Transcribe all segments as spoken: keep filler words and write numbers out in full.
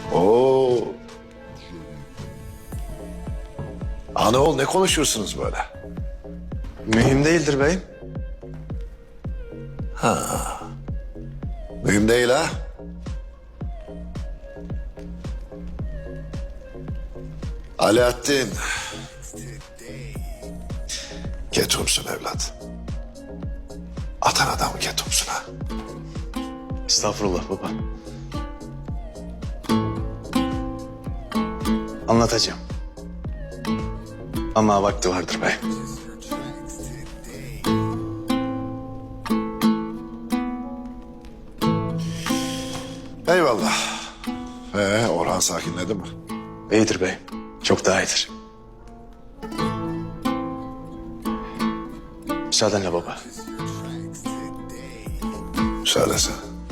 Oo. Ana oğul ne konuşursunuz böyle? Mühim değildir beyim. Mühim değil ha? Alaaddin. Ketumsun evlat. Atan adamı ketumsun ha. Estağfurullah baba. Anlatacağım. Ama vakti vardır beyim. Eyvallah. Ee, Orhan sakinledi mi? İyidir beyim. Çok daha iyidir. Müsaadenle baba. Söylesene.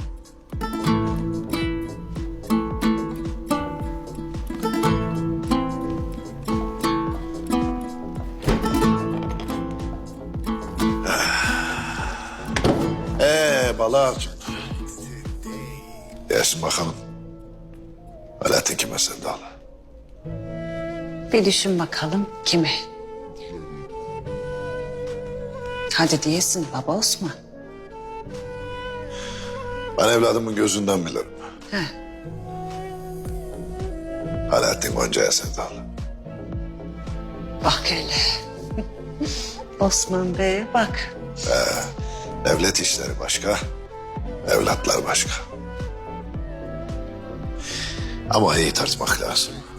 Ee, Balağacığım. Gelsin bakalım. Alaaddin kime sevdalı? Bir düşün bakalım kime? Hadi diyesin baba Osman. Ben evladımın gözünden bilirim. He. Alaaddin Gonca'ya sevdalı. Bak hele. Osman Bey'e bak. Devlet işleri başka, evlatlar başka. Ama iyi tartmak lazım.